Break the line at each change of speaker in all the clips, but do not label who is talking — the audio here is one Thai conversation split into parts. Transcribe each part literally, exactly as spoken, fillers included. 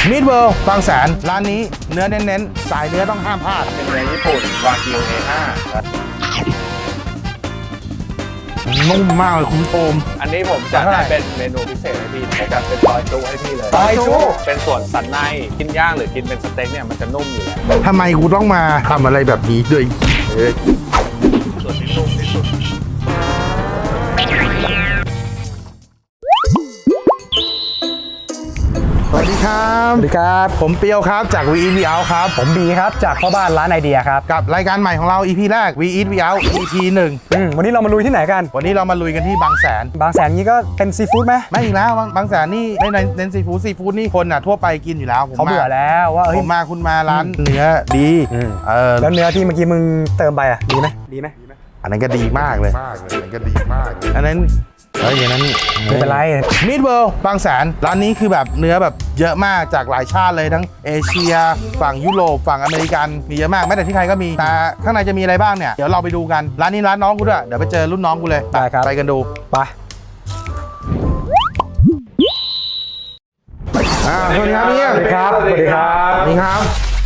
มิดเวิลด์บางแสนร้านนี้เนื้อเน้นๆสายเนื้อต้องห้ามพลาด
เป็นเนื้อญี่ปุ่นวากิว เอ ห้า
นุ่มมากเลยคุณโอม
อันนี้ผมจัดให้เป็นเมนูพิเศษให้พี่ผมจัดเป็นซอยจุให้พี่เลยซอยจุเป็นส่วนสันในกินย่างหรือกินเป็นสเต็กเนี่ยมันจะนุ่มอยู่แล้ว
ทำไมกูต้องมาทำอะไรแบบนี้ด้วย
ส่วนที่นุ่มที่สุด
สวัสดีครับ
สวัสดีครับ
ผมเปียวครับจาก We Eat We Out ครับ
ผมบีครับจากพ่อบ้านร้านไอเดียครับ
กับรายการใหม่ของเรา อี พี แรก We Eat We Out อี พี หนึ่ง
อืมวันนี้เรามาลุยที่ไหนกัน
วันนี้เรามาลุยกันที่บางแสน
บางแสนนี้ก็เป็นซีฟู้ดไหม
ไม่อีกแล้วบางแสนนี่ไม่เน้นซีฟู้ดซีฟู้ดนี่คนอ่ะทั่วไปกินอยู่แล้ว
เขาเบื่อแล้วว่า
ผมมาคุณมาร้านเนื้อดี
เออแล้วเนื้อที่เมื่อกี้มึงเติมไปอ่ะดีไหมดีไหม
อันนั้นก็ดีมากเลยอันนั้นก็ดีมากอันนั้นเฮ้ยอย่างนั้น
ไม่เป็นไร
มิดเวิลด์บางแสนร้านนี้คือแบบเนื้อแบบเยอะมากจากหลายชาติเลยทั้งเอเชียฝั่งยุโรปฝั่งอเมริกันมีเยอะมากแม้แต่ที่ไทยก็มีแต่ข้างในจะมีอะไรบ้างเนี่ยเดี๋ยวเราไปดูกันร้านนี้ร้านน้องกูด้วยเดี๋ยวไปเจอรุ่นน้องกูเลย
ไปครับ
ไปกันดู
ไป
สวัสดีครับพี่
สวัสดีครับสวัสดีครับ
สวัสดีครับ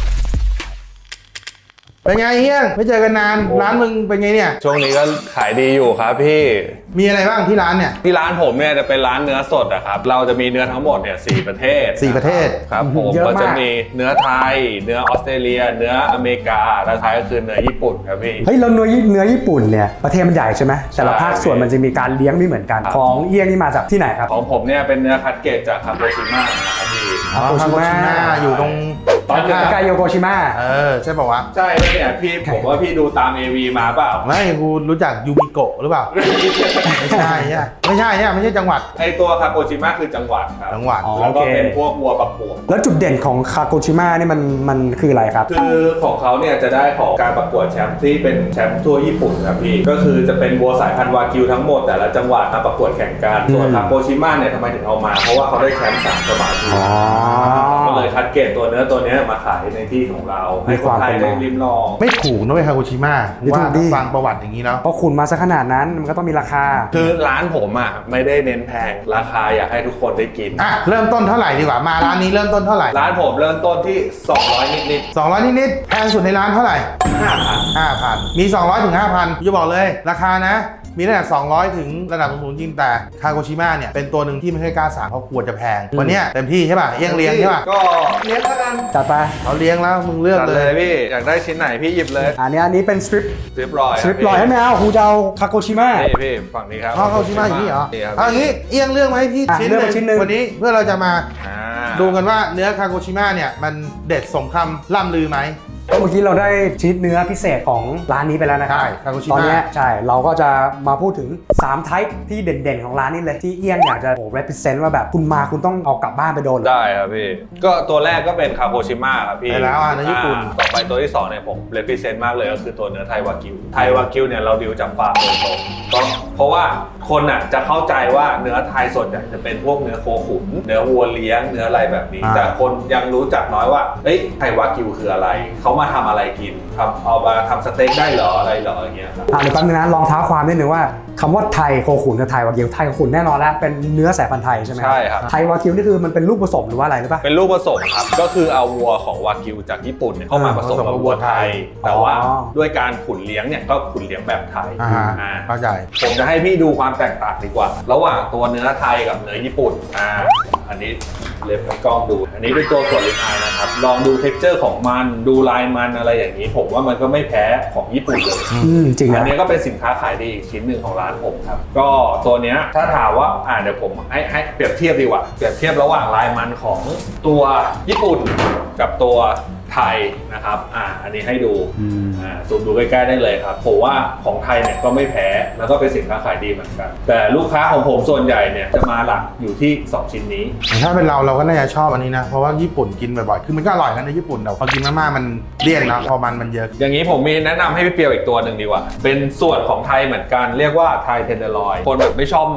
เป็นไงเฮียไม่เจอกันนานร้านมึงเป็นไงเนี่ย
ช่วงนี้ก็ขายดีอยู่ครับพี่
มีอะไรบ้างที่ร้านเนี่ย
ที่ร้านผมเนี่ยจะเป็นร้านเนื้อสดอะครับเราจะมีเนื้อทั้งหมดเนี่ยสี่ประเทศ
สี่ประเทศ
ครับผมก็จะมีเนื้อไทยเนื้อออสเตรเลียเนื้ออเมริกาและท้ายก็คือเนื้อญี่ปุ่นครับพี่
เฮ้ยเราเนื้อเนื้อญี่ปุ่นเนี่ยประเทศมันใหญ่ใช่ไหมแต่ละภาคส่วนมันจะมีการเลี้ยงไม่เหมือนกันของเอี้ยงนี่มาจากที่ไหนครับ
ของผมเนี่ยเป็นเนื้อคัดเกรดจากคาโกชิมะนะครับพี่
คาโกชิมะอยู่ตรง
ตอนใกล้โยโกชิมะ
เออใช่ป่าวะ
ใช่เนี่ยพี่ผมว่าพี่ดูตาม เอ วี มาเปล่า
ไม่กูรู้จักยูมิโกะหรือเปล่าไม่ใช่ใช่ไม่ใช่เนี่ยไม่ใช่จังหวัด
ไอตัวคาโกชิมะคือจังหวัดครับ
จังหวัด
แล้วก็เป็นพวกวัวประกวด
แล้วจุดเด่นของคาโกชิมะนี่มันมันคืออะไรครับ
คือของเขาเนี่ยจะได้ของการประกวดแชมป์ที่เป็นแชมป์ทั่วญี่ปุ่นครับพี่ก็คือจะเป็นวัวสายพันธุ์วากิวทั้งหมดแต่ละจังหวัดมาประกวดแข่งกันส่วนคาโกชิมะเนี่ยทำไมถึงเอามาเพราะว่าเขาได้แชมป์สามสมัยก็เลยคัดเกรดตัวเนื้อตัวนี้มาขายในที่ของเราให้คนไทยได้ริมลอง
ไม่ถูกนะเว้ยคาโกชิมะว่าฟังประวัติอย่างนี้เนาะ
เพราะคุณมาซะขนาดนั้นมันก็ต้องมีราคา
คือร้านผมอ่ะไม่ได้เน้นแพงราคาอยากให้ทุกคนได้กิน
อ่ะเริ่มต้นเท่าไหร่ดีกว่ามาร้านนี้เริ่มต้นเท่าไหร่
ร้านผมเริ่มต้นที่สองร้อยนิด
ๆสองร้อยนิดๆแพงสุดในร้านเท่าไหร่
ห้าพัน
ห้าพันมีสองร้อยถึงห้าพันจะบอกเลยราคานะมีตั้งแต่สองร้อยถึงระดับสูงจริงแต่คาโกชิมะเนี่ยเป็นตัวหนึ่งที่ไม่เคยกล้าสั่งเพราะกลัวจะแพงวันนี้เต็มที่ใช่ป่ะเอี้ยงเลี้ยงใช่ป่ะ
ก็เลี้ยงแล้วกัน
จัดไป
เขาเลี้ยงแล้วมึงเลือกเลย
พี่อยากได้ชิ้นไหนพี่หยิบเลย
อันนี้อันนี้เป็นสตริป
สตริปลอย
สตริปลอยให้แมวคูจะเอาคาโกชิมะ
นี่พี่ฝั่งนี้ครับ
คาโกชิมะอย่างนี้เหรอเอาอย่างนี้เอี้ยงเลือกมาให้พี่ชิ้นหนึ่งวันนี้เพื่อเราจะมาดูกันว่าเนื้อคาโกชิมะเนี่ยมันเด็ดสมคำล่ำลือไหม
เมื่อกี้เราได้ชนิดเนื้อพิเศษของร้านนี้ไปแล้วนะครับ
ใช่คาโกชิมะ
ตอนนี้ใช่เราก็จะมาพูดถึงสามไทป์ที่เด่นๆของร้านนี้เลยที่เอี้ยงอยากจะโอ้ represent ว่าแบบคุณมาคุณต้องเอากลับบ้านไปโดน
ได้ครับพี่ก็ตัวแรกก็เป็นคาโกชิมะครับพี่
ไปแล้วอ่ะในญี่ปุ่น
ต่อไปตัวที่สองเนี่ยผม represent มากเลยก็คือตัวเนื้อไทยวากิวไทยวากิวเนี่ยเราดิวจากฟาร์มโดยตรงก็เพราะว่าคนอ่ะจะเข้าใจว่าเนื้อไทยสดเนี่ยจะเป็นพวกเนื้อโคขุนเนื้อวัวเลี้ยงเนื้ออะไรแบบนี้แต่คนยังรู้จักน้อยว่าเอ้ยไทยวากิวคืออะไรเขามาทำอะไรกินทำเอามาทำสเต็กได้เหรออะไรเหรออย่างเงี้ยครับ
อ่าเดี๋ยวแป๊บนึงนะลองท้าความนิดนึงว่าคำว่าไทยโคขุนกับไทยวากิวไทยโคขุนแน่นอนแล้วเป็นเนื้อสายพันธุ์ไทยใช่ไหม
ใช่ครับ
ไทยวากิวนี่คือมันเป็นลูกผสมหรือว่าอะไรหรือเปล่า
เป็นลูกผสมครับก็คือเอาวัวของวากิวจากญี่ปุ่นเข้ามาผสมกับวัวไทยแต่ว่าด้วยการขุนเลี้ยงเนี่ยก็ขุนเลี้ยงแบบไทย
อ่าเข้าใจ
ผมจะให้พี่ดูความแตกต่างดีกว่าระหว่างตัวเนื้อไทยกับเนื้อญี่ปุ่นอ่าอันนี้เล็บกล้องดูอันนี้เป็นตัวส่วนลิปอายนะครับลองดูเท็กเจอร์ของมันดูลายมันอะไรอย่างนี้ผมว่ามันก็ไม่แพ้ของญี่ปุ่นเลย
จริง
อันนี้ก็เป็นสินค้าขายดีอีกชิ้นหนึ่งของร้านผมครับก็ตัวเนี้ยถ้าถามว่าอ่าเดี๋ยวผมให้ให้เปรียบเทียบดีกว่าเปรียบเทียบระหว่างลายมันของตัวญี่ปุ่นกับตัวไทยนะครับอ่าอันนี้ให้ดูอ่าซูมดูใกล้ๆได้เลยครับผมว่าของไทยเนี่ยก็ไม่แพ้แล้วก็เป็นสินค้าขายดีเหมือนกันแต่ลูกค้าของผมส่วนใหญ่เนี่ยจะมาหลักอยู่ที่สองชิ้นนี้
ถ้าเป็นเราเราก็น่าจะชอบอันนี้นะเพราะว่าญี่ปุ่นกินบ่อยๆคือมันก็อร่อยกันในญี่ปุ่นแต่พอกินมากๆมันเลี่ยนนะพอมันมันเยอะ
อย่างนี้ผมมีแนะนำให้พี่เปียวอีกตัวหนึ่งดีกว่าเป็นส่วนของไทยเหมือนกันเรียกว่าไทยเทนเดอร์ลอยคนแบบไม่ชอบมัน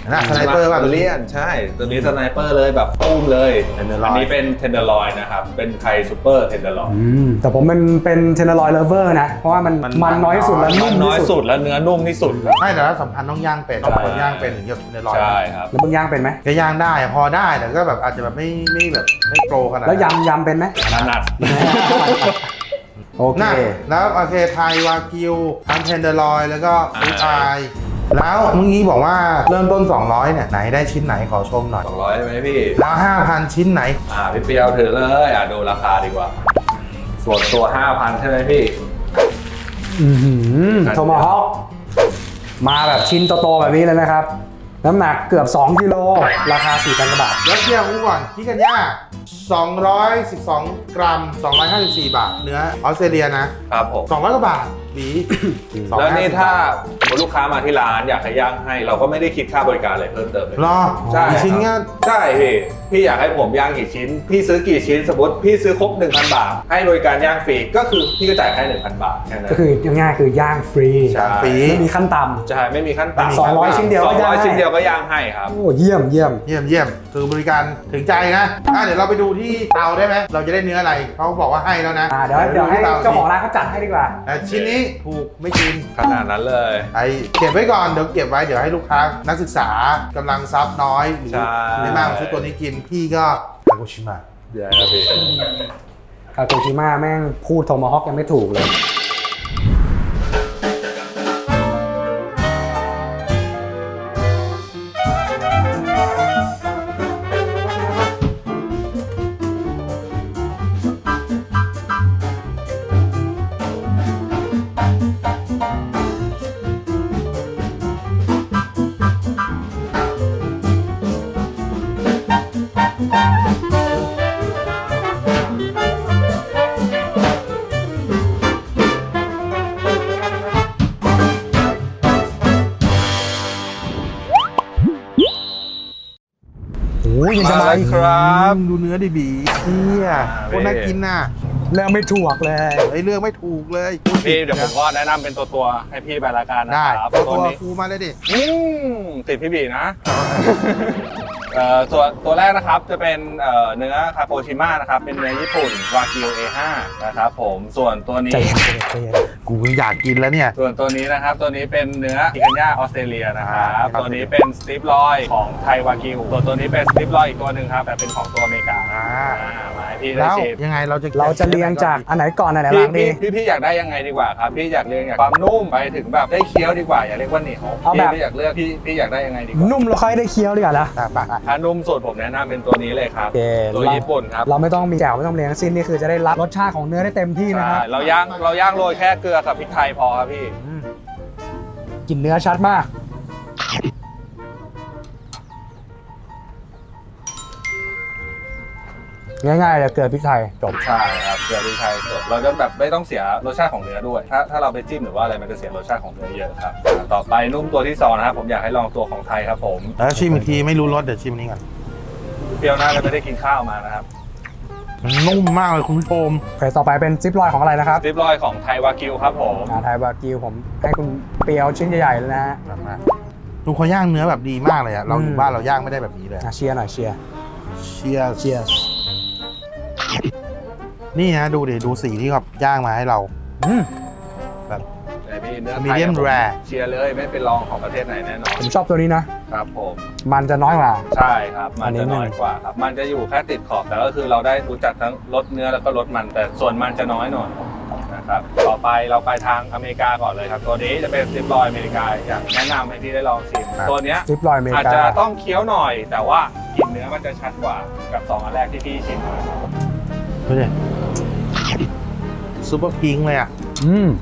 นะสไนเปอร์ป่ะ
เลียนใช่ตัวนี้สไนเปอร์เลยแบบตุ้มเลย
Tenderloin
อันนี้เป็นเทนเดอร์ลอยนะครับเป็นไทยซูเปอร์เทนเดอร์ลอย
อืมแต่ผมเป็นเป็นเทนเนอร์ลอยเลเวอร์นะ เพราะว่ามัน
มัน
มันน้อยที่สุดและนุ่
มั
ม
นน้อย
ที่
สุ
สุ
ด
ด
และเนื้อนุ่มที่สุดครับ
ไม่แต่ว่าสำคัญต้องย่างเป็นต้องคนย่างเป็นถึงจะในรอย
ใช่ครับ
แล้วมึงย่างเป็นไหม
ก็ย่างได้อะพอได้แต่ก็แบบอาจจะแบบไม่ไม่แบบไม่โปรขนาด
แล้ว
นั้น
ยำยำเป็นไหม
ถนัด
โอเค
น่ะแล้วโอเคไทยวากิวทั้งเทนเดอร์ลอยแล้วก็ฟิชไอแล้วเมื่อกี้บอกว่าเริ่มต้น สองร้อยเนี่ยไหนได้ชิ้นไหนขอชมหน่อย
สองร้อยใช่ไหมพี่
แล้ว ห้าพัน ชิ้นไหน
อ่าพี่เปียวถือเลยอ่ะดูราคาดีกว่า ส่วนตัว ห้าพัน ใช่ไหมพี่
อือหือโทมาฮอคมาแบบชิ้นโตๆแบบนี้เลยนะครับ น้ำหนักเกือบ สองกิโลราคา สี่พัน กว่าบาท
แล้วเทียบกูก่อนพี่กันย่าสองร้อยสิบสอง กรัม สองร้อยห้าสิบสี่ บาท เนื้อออสเตรเลียนะครับ
ผม
สองร้อยกว่าบาทบี
แล้วนี่
สองร้อยห้สิบ
ถ้าสมมติลูกค้ามาที่ร้านอยากให้ย่างให้ เราก็ไม่ได้คิดค่าบริการอะไรเพิ่มเติมเลย
รอ
ใช่
กี่ชิ้นก็
ใช่พี่พี่อยากให้ผมย่างกี่ชิ้น พี่ซื้อกี่ชิ้น สมมติพี่ซื้อครบ หนึ่งพัน บาท ให้บริการย่างฟรีก็คือพี่ก็จ่ายแค่ หนึ่งพัน บาทแค่นั้น
ก็คือง่ายๆคือย่างฟรี
ใช่
ฟรี
ไม่มีขั้นต่
ใช่ไม่มีขั้นต่ำ
สองร้อยชิ้นเดียวก็
สองร้อย
ย่างให้
ชิ้นเดียวก็ย่างให้ครับ
ำโอ้เยี่ยมเยี่ยม
เยี่ยมเยี่ยมคือบริการถึงใจนะอ่ะเดี๋ยวเราไปดูที่เตาได้ไหมเราจะได้เนื้ออะไรเขาบอกว่าให้แล้วนะ
อ่าเดี๋ยวเดี๋ยวให้
ที่ต
เจ้าของร้านเขาจัดให้ดีกว่า
แต่ชิ้นนี้ถูกไม่กิน
ขนาดนั้นเลย
ไอเก็บไว้ก่อนเดี๋ยวเก็บไว้เดี๋ยวให้ลูกค้านักศึกษากำลังซับน้อยหรือ
ใช่
ไม่มากซื้อตัวนี้กินพี่ก็คาโกชิมะ
เดี๋ยวครับพี่
คาโตชิมะแม่งพูดโทมาฮอคยังไม่ถูกเลย โอ้ยยังจะมาอีก
ครับ
ดูเนื้อดิบีเฮียโคตรน่ากินน่ะ
เรื่องไม่ถูกเลย
ไอเรื่องไม่ถูกเลย
พี่เดี๋ยวผมก็แนะนำเป็นตัวตัวๆให้พี่ไปละกันนะ
ได้
ครับ
ตัว
ตัวนี้
ครูมาเลยดิ
อืมติดพี่บีนะเอ่อตัวตัวแรกนะครับจะเป็นเอ่อเนื้อคาโปชิมะนะครับเป็นเนื้อญี่ปุ่นวากิว เอ ห้า นะครับผมส่วนตัวนี้
ใจเย็นใจเย็นใจเย็น
กูอยากกินแล้วเนี่ย
ส่วนตัวนี้นะครับตัวนี้เป็นเนื้ออิกันย่าออสเตรเลียนะครับ
ครับ
ตัวนี้เป็นสติปลอยของไทยวากิวตัวตัวนี้เป็นสติปลอยอีกตัวหนึ่งครับแต่เป็นของตัวอเมริกา
อ่า
อ่ามาให้พี่ได้
แล้ว
ชิม
ยังไงเราจะ
เราจะเรียงจากอันไหนก่อนอันไหนห
พี่
ลังดี
พี่พี่พี่อยากได้ยังไงดีกว่าครับพี่อยากเรียงจากความนุ่มไปถึงแบบได้เคี้ยวดีกว่าอย่าเรียกว่าเหนียว
เอา
พี่
แบบ
พี่อยากเลือกพี่พี่อยากได้ยังไงดีกว่า
นุ่มแล้วค่อยได้เคี้ยวดีกว่านะ
อ่ะไป
ถ้านุ่มสุดผมแนะนำเป็นตัวนี้เลยครับ
โอเค
ตัวญี่ปุ่นครับ
เราไม่ต้องมีแจ่วไม่ต้องเรียงทั้งสิ้นนี่คือจะได้รับรสชาติของเนื้อได้เต็มที่นะครับ
ใช่เราย่างเราย่างโรยแค่เกลือกับพริกไทยพอครับพี่
อืม
กลิ่นเนื้อชัดมาก ง่ายๆเลยเกลือพริกไทยจบ
ใช่ครับเกลือพริกไทยสดเราจะแบบไม่ต้องเสียรสชาติของเนื้อด้วย ถ้าถ้าเราไปจิ้มหรือว่าอะไรมันจะเสียรสชาติของเนื้อเยอะครับอ่าต่อไปนุ่มตัวที่สองนะครับผมอยากให้ลองตัวของไทยครับผม
แล้วชิมอีกทีไม่รู้รสเดี๋ยวชิมอันนี้ก่อน
เปรี้ยวน่าจะไม่ได้กินข้าวมานะครับ
มันนุ่มมากเลยคุณผู้ชม
โอเคต่อไปเป็นซิปลอยของอะไรนะครับ
สติปลอยของไทยวากิวครับผม
อาไทยบากิวผมให้คุณเปียวชิ้นใหญ่ๆเลยนะฮะ
แบบมาดูเขาย่างเนื้อแบบดีมากเลยอะเราอยู่
อืม
บ้านเราย่างไม่ได้แบบนี้เลย
อ่ะเชียร์หน่อยเชียร์
เชียร์
เชียร์
นี่นะดูดิดูสีที่เขาย่างมาให้เรา
อืม
แบบ
แต่พี่เนื้อไทย
Medium
ผม
rare
เชียร์เลยไม่เป็นรองของประเทศไหนแน่นอน
ผมชอบตัวนี้นะ
ครับผม
มันจะน้อยกว่า
ใช่ครับ มัน
อันนี้
จะน้อยกว่าครับ มันจะอยู่แค่ติดขอบ แต่ก็คือเราได้รู้จักทั้งรสเนื้อแล้วก็รสมัน แต่ส่วนมันจะน้อยหน่อยนะครับ ต่อไปเราไปทางอเมริกาก่อนเลยครับ ตัวนี้จะเป็นสติปลอยอเมริกาอยากแนะนำให้พี่ได้ลองชิม
ครับ
ตัวเนี้ย
ซิปลอยอเมริ
อาจ
กา
จะต้องเคี้ยวหน่อย แต่ว่ากลิ่นเนื้อมันจะชัดกว่ากับสองอันแรกที่พี่ชิมมา
ดูดิซูเปอร์พิงค์เลยอะ
อืม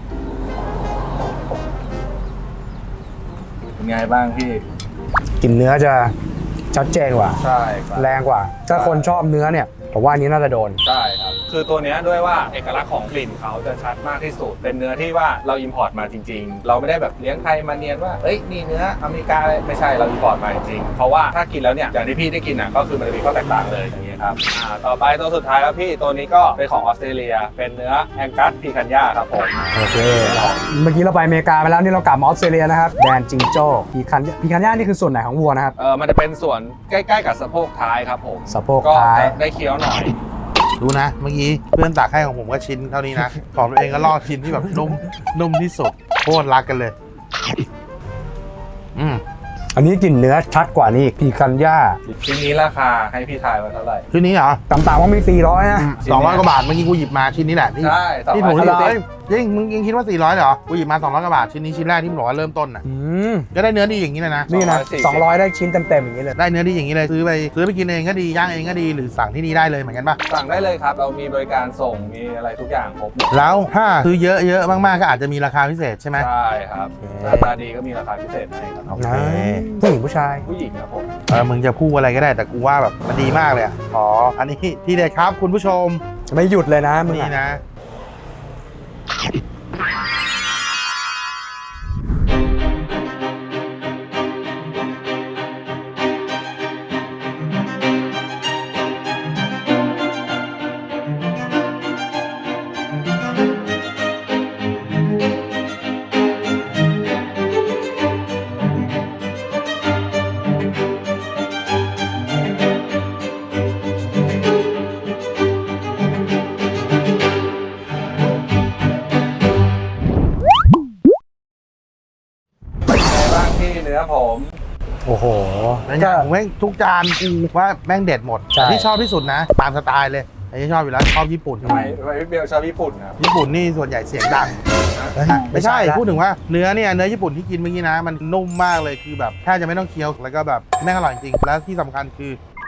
เป็นไงบ้างพี่
กลิ่นเนื้อจะชัดเจนกว่า
ใช่ครับ
แรงกว่า ถ้าคนชอบเนื้อเนี่ยผมว่าอันนี้น่าจะโดน
ใช่ครับคือตัวเนี้ยด้วยว่าเอกลักษณ์ของกลิ่นเขาจะชัดมากที่สุดเป็นเนื้อที่ว่าเราอิมพอร์ตมาจริงๆเราไม่ได้แบบเลี้ยงไทยมาเนียนว่าเอ้ยนี่เนื้ออเมริกาไม่ใช่เราอิมพอร์ตมาจริงๆเพราะว่าถ้ากินแล้วเนี่ยอย่างที่พี่ได้กินอ่ะก็คือมันจะมีข้อแตกต่างเลยอย่างเงี้ยครับอ่าต่อไปตัวสุดท้ายครับพี่ตัวนี้ก็เป็นของออสเตรเลียเป็นเนื้อแองกัสพีคันย่าครับผม
โอเคเมื่อกี้เราไปอเมริกาไปแล้วนี่เรากลับมาออสเตรเลียนะครับแดนจิงโจ้พีคันพีคันย่านี่คือส่วนไหนของวัวนะครับ
เออมันจะเป็นส่วนใกล้ๆกับสะโพกท้ายครับผม
สะโพก
ก็
ท้าย
จะได้เคี้ยวหน่อย
ดูนะเมื่อกี้เพื่อนตักให้ของผมก็ชิ้นเท่านี้นะ ของตัวเองก็ลอกชิ้นที่แบบนุ่มนุ่มที่สุดโคตรรักกันเลย อืม
อันนี้กลิ่นเนื้อชัดกว่านี่อีกพีคันย่า
ชิ้นนี้ราคาให้พี่ทายว่าเท่าไหร่
ชิ้นนี้เหรอ
ต่ำๆว่ามีสี่ร้อยนะ
สองร้อยกว่าบาทเมื่อกี้กูหยิบมาชิ้นนี้แหละที่
ใช่ต่อ
ที่
ไป
ผม
สี่
หยิบ
ร้อย
เอ้ยยิ่งมึงยังคิดว่าสี่ร้อยเหรอกูหยิบมาสองร้อยกว่าบาทชิ้นนี้ชิ้นแรกที่มึงบอกว่าเริ่มต้นน่ะ
อืม
ก็ได้เนื้อดีอย่างนี้เลยนะ
นี่นะสองร้อยได้ชิ้นเต็มๆอย่างนี้เลย
ได้เนื้อดีอย่างนี้เลยซื้อไปซื้อไปกินเองก็ดีย่างเองก็ดีหรือสั่งที่นี่ได้เลยเหมือนกันป่ะ
สั่งได้เลยครับเรามีบริการส่งมีอะไรทุกอย่างครบหมด
แล้วถ้าซื้อเยอะเยอะๆมากๆก็อาจจะมีราคาพิเศษใช่ไหม
ใช่ครับ
โอเค
หน้าตาดีก็มีราคาพิเศษให้ครับ
โอเค
นะผู้หญิงผู้ชาย
ผู้หญิงครับผม
เออมึงจะพูดอะไรก็ได้แต่กูว่าแบบมันดีมากเลยอ่ะขออันนี้ที่เด็ดครับคุณผู้ชม
ไม่หยุดเลยนะมึง
นี่
อะ
นะ
บ้างที่เนื้อผม
โอ้โห
แล้วอย่างแม่งทุกจานกูว่าแม่งเด็ดหมด
ใช่
แต่ที่ชอบที่สุดนะ ตามสไตล์เลยไอ้ที่ชอบอยู่แล้วชอบญี่ปุ่น
ทำไมทำไมพี่เบลชอบญี่ปุ่นครับ
ญี่ปุ่นนี่ส่วนใหญ่เสียงดัง
เฮ้ย
ไม่ใช่
ละ
พูดถึงว่าเนื้อเนี่ยเนื้อญี่ปุ่นที่กินเมื่อกี้นะ มันนุ่มมากเลยคือแบบแทบจะไม่ต้องเคี้ยวแล้วก็แบบแม่งอร่อยจริงแล้วที่สำคัญคือ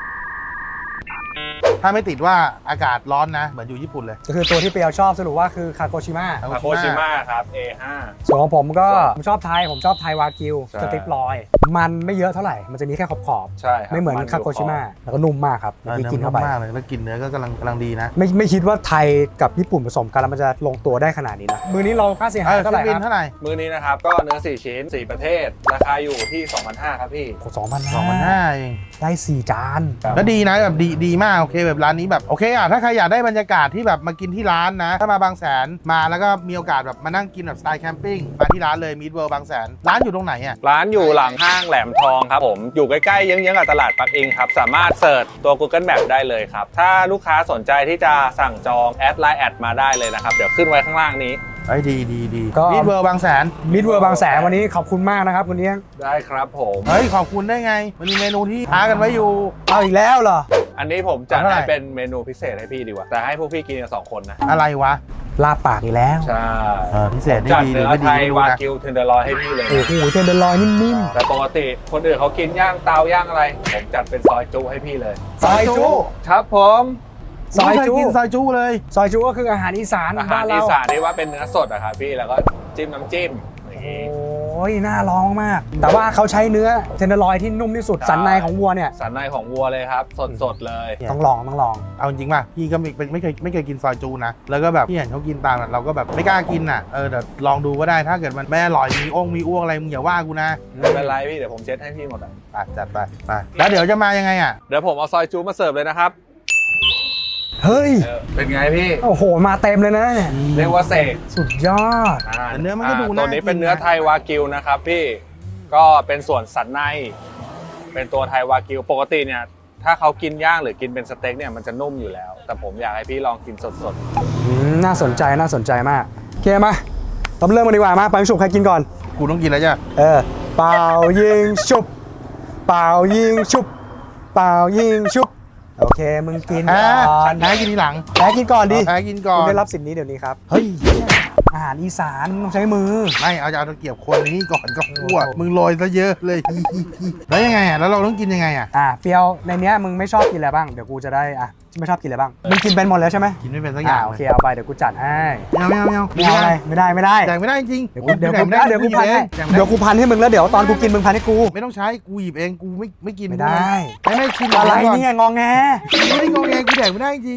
ถ้าไม่ติดว่าอากาศร้อนนะเหมือนอยู่ญี่ปุ่นเลย
ก็คือตัวที่เปียวชอบสรุปว่าคือคาโกชิมะ
ทาโกชิมะครับ เอ ห้า
ส่วนของผมก็ผมชอบไทยผมชอบไทยวากิว
ใช่
สติปลอย มันไม่เยอะเท่าไหร่ มันจะมีแค่ขอบ
ใช่ค
ๆ
รับ
ไม่เหมือน
ยู่
คาโกชิมะแล้วก็นุ่มมากครับ
เออ
ที่
เนื้อ
กิน
นุ่
เข้าม ไป
มากเลยแล้วกลินเนื้อก็กำลังกำลังดีนะ
ไม่ไม่คิดว่าไทยกับญี่ปุ่นผสมกันแล้วมันจะลงตัวได้ขนาดนี้นะมือนี้เราค่าเสีย
เอ
หาย
อ
เท่า
ฟิ
ไห
ลิ
ร่
ปปินส์
ครับ
เท่าไหร่
มือนี้นะครับก็เนื้อสี่ชิ้นสี่ประเทศ ราคาอยู่ที่ สองพันห้าร้อย ครับพี่
สองพัน
สองพันห้าเอง
ได้สี่จาน
แล้วดีนะแบบดีดีมากโอเคแบบร้านนี้แบบโอเคอ่ะถ้าใครอยากได้บรรยากาศที่แบบมากินที่ร้านนะ ถ้ามาบางแสนมาแล้วก็มีโอกาสแบบมานั่งกินแบบสไตล์แคมปิ้งมาที่ร้านเลยมิดเวิลด์บางแสนร้านอยู่ตรงไหนอ่ะ
ร้านอยู่หลังห้างแหลมทองครับผม อยู่ใกล้ๆเยื้องๆกับตลาดปักอิงครับ สามารถเสิร์ชตัว Google Map ได้เลยครับ ถ้าลูกค้าสนใจที่จะสั่งจองแอดไลน์แอดมาได้เลยนะครับ เดี๋ยวขึ้นไว้ข้างล่างนี้
ไอ้ยดีดีดี
ก็
มิดเวิลด์บางแสน
มิดเวิร์บางแสนวันนี้ขอบคุณมากนะครับคุณเลี้ยง
ได้ครับผม
เฮ้ยขอบคุณได้ไงมันมีเมนูที่ท้ากันไว้อยู่
เอาอีกแล้วเหรอ
อันนี้ผมจัด
เท่าไหร่
ให้เป็นเมนูพิเศษให้พี่ดีกว่า แต่ให้พวกพี่กินกันสองคนนะ
อะไรวะ
ลาบปากอีกแล้ว
ใช่
เออพิเศษนี่
จัด
ดีหรื
เนื้
อ
อ
ไม่ดี
ไทย
ไม่รู้
วา
นะ
กิวเทนเดอร์ลอยให้พี่เลย
โอ้โหเทนเดอร์ลอยนิ่ม
แต่ปกติคนอื่นเขากินย่างเตาย่างอะไร ผมจัดเป็นซอยจุให้พี่เลย
ๆซอยจุ
ครับผม
ซอยจุ
ไม่เคกินซอยจุเลย
ซอยจุก็คืออาหารอีสาน
อาหา
บ้าร น
อี
เรา
สานที่ว่าเป็นเนื้อสดอะครับพี่แล้วก็จิ้มน้ำจิ้มอย่างงี้
โอ้ยน่าลองมาก แต่ว่าเขาใช้เนื้อเทนเดอร์ลอยที่นุ่มที่สุด
ใช่
สันในของวัวเนี่ย
สันในของวัวเลยครับ สดๆเลย
ต้องลองต้องลอง
เอาจริงป่ะพี่ก็ไม่ไม่ไม่เคยไม่เคยกินซอยจูนะแล้วก็แบบพี่เห็นเขากินตามอะเราก็แบบไม่กล้ากินอ่ะเออแต่ลองดูก็ได้ถ้าเกิดมันไม่อร่อยมีอ้งมีอ้วกอะไรมึงอย่าว่ากูนะ
ไม่เป็นไรพี่เดี๋ยวผมเช็ดให้พี่หมดอะ
ไปจัดไปไปแล้วเดี๋ยวจะมายังไงอ่ะ
เดี๋ยวผมเอาซอยจูมาเสิร์ฟเลยนะครับ
เฮ้ย
เออเป็นไงพี่
โอ้โห มาเต็มเลยนะเนี่ย
เรียกว่าเสก
สุดยอด
อ่า
แต่เนื้อมันก็ดู
อ่า
น่า
ตัวนี้เป็น
กินนะ
เนื้อไทยวากิวนะครับพี่ก็เป็นส่วนสันใน เป็นตัวไทยวากิวปกติเนี่ยถ้าเขากินย่างหรือกินเป็นสเต็กเนี่ยมันจะนุ่มอยู่แล้ว แต่ผมอยากให้พี่ลองกินสด
อืมน่าสนใจน่าสนใจมากโอเคมาเราเริ่มกันดีกว่ามาไปฉุบใครกินก่อน
กูต้องกินแล้วจ้ะ
เออ เป่ายิงชุบ เป่ายิงชุบ เป่ายิงชุบ โอเค มึงกิน
แพ้
ก่อน
แพ้กินทีหลัง
แพ้กินก่อนดิ
แพ้กินก่อ
คุณ
น
ได้รับสิทธิ์นี้เดี๋ยวนี้ครับ
เฮ้ย
อาหารอีสานมึงต้องใช้มือ
ไม่เอาจะเอาตะเกียบคนนี้ก่อนก็คั่วมึงโรยซะเยอะเลย แล้วยังไงอ่ะแล้วเราต้องกินยังไงอ่ะ
อ่ะเปรียวในเนี้ยมึงไม่ชอบกินอะไรบ้าง เดี๋ยวกูจะได้อ่ะไม่ชอบกินอะไรบ้าง มึงกินเป็นหมดแล้วใช่ไหม
กินไม่เป็นสักอ
อ่า
ย่าง
โอ
เล
เค
ย
เอาไปเดี๋ยวกูจัดให้
ไม่เอาไม่เอาไม่เอา
ไม่เอาอะไรไม่ได้ไม่ได้
แจกไม่ได้จริง
เดี๋ยวกูเดี๋ยวกู
แจกไม่
เดี๋ยวกู
ห
พันให้
แจกไม่
เดี๋ยวกูพันให้มึงแล้วเดี๋ยวตอนกูกินมึงพันให้กู
ไม่ต้องใช้กูหยิบเองกูไม่ไม่กิน
ไม่ได้
ไม่ไม่ชิม
อะไร
ก่
เนี่ยงองแง
ไม่ได้งอแงกูแดกไม่ได้จริง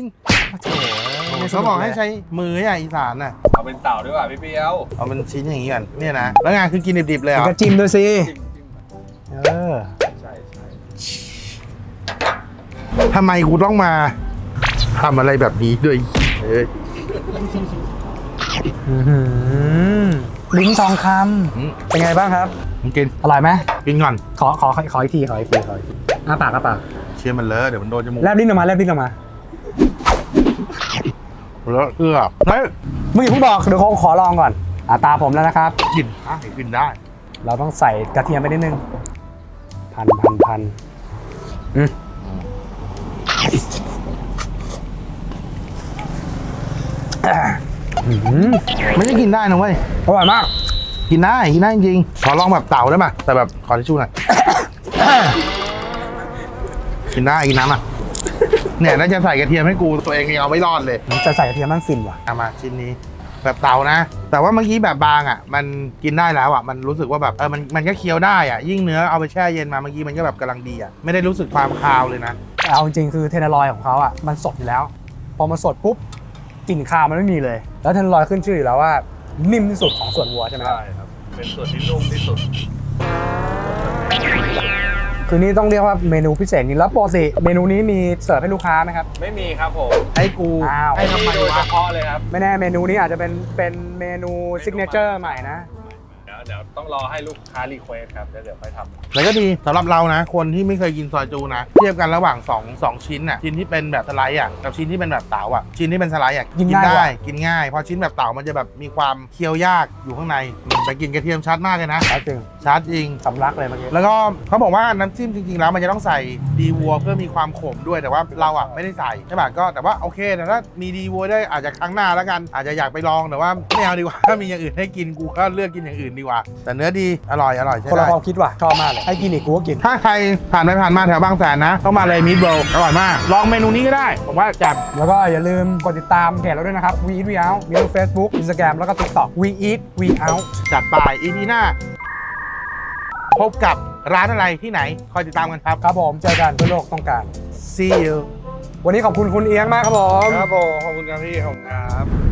โถ่
เขาบอกให้ใช้มืออ่ะอีสานน่ะ
เอาเป็นเต่าด้วยว่ะพี่เปียว
เอาเป็นชิ้นอย่างนี้ก่อนเนี่ยนะแล้วงานคือกินดิบๆเลยเหร
มัน
อ
ก็จิ้มด้วยสิ
จิ้มจิ้ม
เออ
ใช่ใช่
ทำไมกูต้องมาทำอะไรแบบนี้ด้วยเอ้ย
อื้อหือลิ้นทองค
อืม
ำเป็นไงบ้างครับ
มึงกิน
อร่อยไหม
กินก่อน
ขอขอขอขออีกทีขออีกทีขออีกทีอ้าปากอ้าปาก
เชื่อมันเลอะเดี๋ยวมันโดนจมูก
แลบลิ้นออกมาแลบลิ้นออกมา
แล้วเอื้อเฮ้ย
มึงอย่าเพิ่งบอกเดี๋ยวเขาขอลองก่อนอ่าตาผมแล้วนะครับ
กินได้กินได้
เราต้องใส่กระเทียมไปนิดนึงพันพันพันอืมอื้อหือ
ไม่ใช่กินได้นะเว้ย
อร่อยมาก
กินได้กินได้จริงๆขอลองแบบเต่าได้ป่ะแต่แบบขอทิชชู่หน่อย กินได้กินน้ำอ่ะเนี่ยน่าจะใส่กระเทียมให้กูตัวเองยังเอาไม่รอดเลย
มันจะใส่กระเทียมมันฟินว่ะ
เอามาชิ้นนี้แบบเต่านะ แต่ว่าเมื่อกี้แบบบางอ่ะ มันกินได้แล้วอ่ะมันรู้สึกว่าแบบเออมันมันก็เคี้ยวได้อ่ะยิ่งเนื้อเอาไปแช่เย็นมาเมื่อกี้มันก็แบบกำลังดีอ่ะไม่ได้รู้สึกความคาวเลยนะ
แต่เอาจริงๆคือเทนเนอรอยของเขาอ่ะมันสดอยู่แล้ว พอมันสดปุ๊บกลิ่นคาวมันไม่มีเลย แล้วเทนเนอรอยขึ้นชื่ออยู่แล้วว่านิ่มที่สุดของส่วนวัวใช่ไหมครับ
ใช่ครับเป็นส่วนที่นุ่มที่สุด
คือนี่ต้องเรียกว่าเมนูพิเศษจริงแล้วปกติเมนูนี้มีเสิร์ฟให้ลูกค้าไหมครับ
ไม่มีครับผม
ให้กู
อ้าว
ให้ทำไม
โดยเฉ
วะ
พาะเลยครับ
ไม่แน่เมนูนี้อาจจะเป็นเป็นเมนูซิกเนเจอร์ใหม่นะ
เดี๋ยวเดี๋ยวต้องรอให้ลูกค้ารีเควสครับแล้วเดี๋ยวไปทำ
แล้วก็ดีสำหรับเรานะ คนที่ไม่เคยกินซอยจูนะ เทียบกันระหว่าง2 2ชิ้นอ่ะชิ้นที่เป็นแบบสไลด์อ่ะกับชิ้นที่เป็นแบบเต๋าอ่ะชิ้นที่เป็นสไลด์อ่ะ
กินง่ายก
ได้
ว่า
กินง่ายเพราะชิ้นแบบเต๋ามันจะแบบมีความเคี้ยวยากอยู่ข้างในแต่กินกระเทียมชัดมากเลยนะ
แล้วจริง
ชัดจริง
สำลักเลยเมื่อกี้
แล้วก็เขาบอกว่าน้ำจิ้มจริงๆแล้วมันจะต้องใส่ดีวัวเพื่อมีความขมด้วยแต่ว่าเราอ่ะไม่ได้ใส่ใช่ป่ะก็แต่ว่าโอเคแต่ถ้ามีดีวัวได้อาจจะครั้งหน้าแล้วกัน อาจจะอยากไปลองแต่ว่าไม่เอาดีกว่า ถ้ามีอย่างอื่นให้กินกูก็เลือกกินอย่างอื่นดีกว่า แต่เนื้อดีอร่อยอร่อยใช่
คนละ
ได้
ความคิดว่ะชอบมากเลยให้กินอีกกูก็กิน
ถ้าใครผ่านไปผ่านมาแถวบางแสนนะต้องมาเลยมิตโบอร่อยมาก ลองเมนูนี้ก็ได้ผมว่าจับ
แล้วก็อย่าลืมกดติดตามเพจเราด้วยนะครับ We Eat We Out มีทั้ง Facebook Instagram แล้วก็ TikTok We Eat We Out
จัดไปอีพีหน้า พบกับร้านอะไรที่ไหนคอยติดตามกันครับ
ครับผมเจอกันเพื่อโลกต้องการ
see you
วันนี้ขอบคุณคุณเอียงมากครับผม
ครับผมขอบคุณครับพี่ขอบคุณครับ